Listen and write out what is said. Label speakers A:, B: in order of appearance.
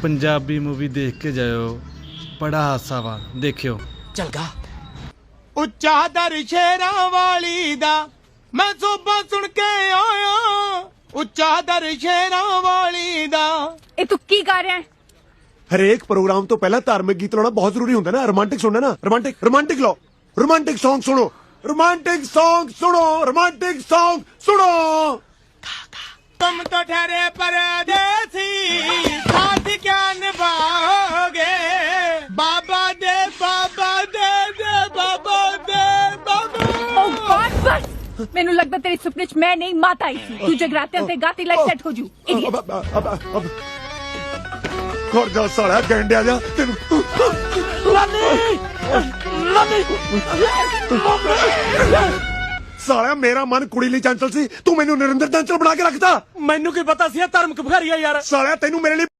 A: Punjabi movie देख के जाओ, बड़ा हासा वा, देखियो।
B: चल गा। ਉੱਚਾ ਦਰ ਸ਼ੇਰਾਂ ਵਾਲੀ ਦਾ ਮੈਂ ਸੋਭਾ ਸੁਣ ਕੇ ਆਇਆ, ਉੱਚਾ ਦਰ ਸ਼ੇਰਾਂ ਵਾਲੀ ਦਾ।
C: ਇਹ ਤੂੰ ਕੀ ਗਾ ਰਿਹਾ ਹੈ?
D: ਹਰੇਕ ਪ੍ਰੋਗਰਾਮ ਤੋਂ ਪਹਿਲਾਂ ਧਾਰਮਿਕ ਗੀਤ ਲਾਉਣਾ ਬਹੁਤ ਜ਼ਰੂਰੀ ਹੁੰਦਾ ਨਾ। ਰੋਮਾਂਟਿਕ ਸੁਣਨਾ ਨਾ, ਰੋਮਾਂਟਿਕ ਲਾਓ, ਰੋਮਾਂਟਿਕ Song ਸੁਣੋ, ਰੋਮਾਂਟਿਕ Song ਸੁਣੋ, ਰੋਮਾਂਟਿਕ Song ਸੁਣੋ।
B: तुम तो ठहरे परदेसी, साथ क्या निभाओगे? बाबा दे बाबा दे दे बाबा दे बाबा।
C: ਓ ਗॉड ਬਸ, ਮੈਨੂੰ ਲੱਗਦਾ ਤੇਰੇ ਸੁਪਨੇ 'ਚ ਮੈਂ ਨਹੀਂ ਮਾਤਾ ਆਈ ਸੀ। ਤੂੰ ਜਗਰਾਤਿਆਂ ਤੇ ਗਾਤੀ ਲਾਈਕ ਸੈੱਟ ਹੋ ਜੂ।
D: ਖੜ ਜਾ ਸਾਲਿਆ ਗੈਂਡਿਆ ਜਾ ਤੈਨੂੰ। ਸਾਲਿਆ ਮੇਰਾ ਮਨ ਕੁੜੀ ਲਈ ਚੰਚਲ ਸੀ, ਤੂੰ ਮੈਨੂੰ ਨਰਿੰਦਰ ਚੰਚਲ ਬਣਾ ਕੇ ਰੱਖਤਾ।
B: ਮੈਨੂੰ ਕੀ ਪਤਾ ਸੀ ਇਹ ਧਰਮਕ ਭਿਖਾਰੀ ਆ ਯਾਰ।
D: ਸਾਲਿਆ ਤੈਨੂੰ ਮੇਰੇ ਲਈ